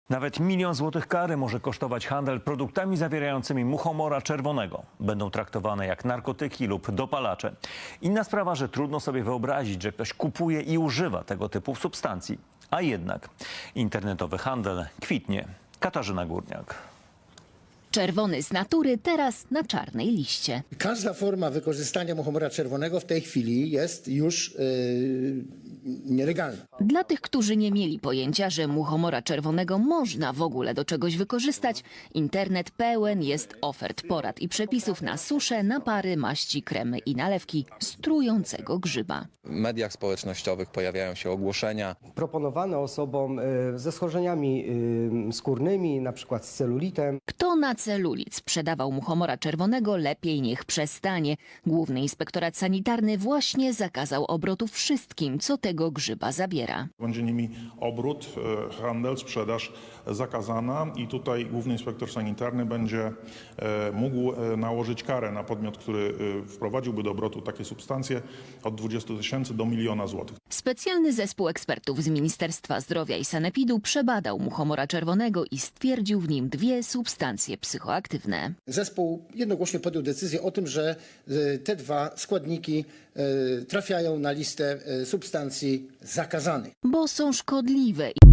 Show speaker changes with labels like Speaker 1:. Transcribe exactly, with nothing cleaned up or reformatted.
Speaker 1: Nawet milion złotych kary może kosztować handel produktami zawierającymi muchomora czerwonego. Będą traktowane jak narkotyki lub dopalacze. Inna sprawa, że trudno sobie wyobrazić, że ktoś kupuje i używa tego typu substancji. A jednak internetowy handel kwitnie. Katarzyna Górniak.
Speaker 2: Czerwony z natury, teraz na czarnej liście.
Speaker 3: Każda forma wykorzystania muchomora czerwonego w tej chwili jest już yy, nielegalna.
Speaker 2: Dla tych, którzy nie mieli pojęcia, że muchomora czerwonego można w ogóle do czegoś wykorzystać, internet pełen jest ofert, porad i przepisów na susze, napary, maści, kremy i nalewki z trującego grzyba.
Speaker 4: W mediach społecznościowych pojawiają się ogłoszenia.
Speaker 5: Proponowane osobom y, ze schorzeniami y, skórnymi, na przykład z celulitem.
Speaker 2: Kto na celulit sprzedawał muchomora czerwonego, lepiej niech przestanie. Główny Inspektorat Sanitarny właśnie zakazał obrotu wszystkim, co tego grzyba zabiera.
Speaker 6: Będzie nimi obrót, handel, sprzedaż zakazana i tutaj Główny Inspektor Sanitarny będzie mógł nałożyć karę na podmiot, który wprowadziłby do obrotu takie substancje od dwudziestu tysięcy do miliona złotych.
Speaker 2: Specjalny zespół ekspertów z Ministerstwa Zdrowia i Sanepidu przebadał muchomora czerwonego i stwierdził w nim dwie substancje psychoaktywne.
Speaker 3: Zespół jednogłośnie podjął decyzję o tym, że y, te dwa składniki y, trafiają na listę y, substancji zakazanych.
Speaker 2: Bo są szkodliwe.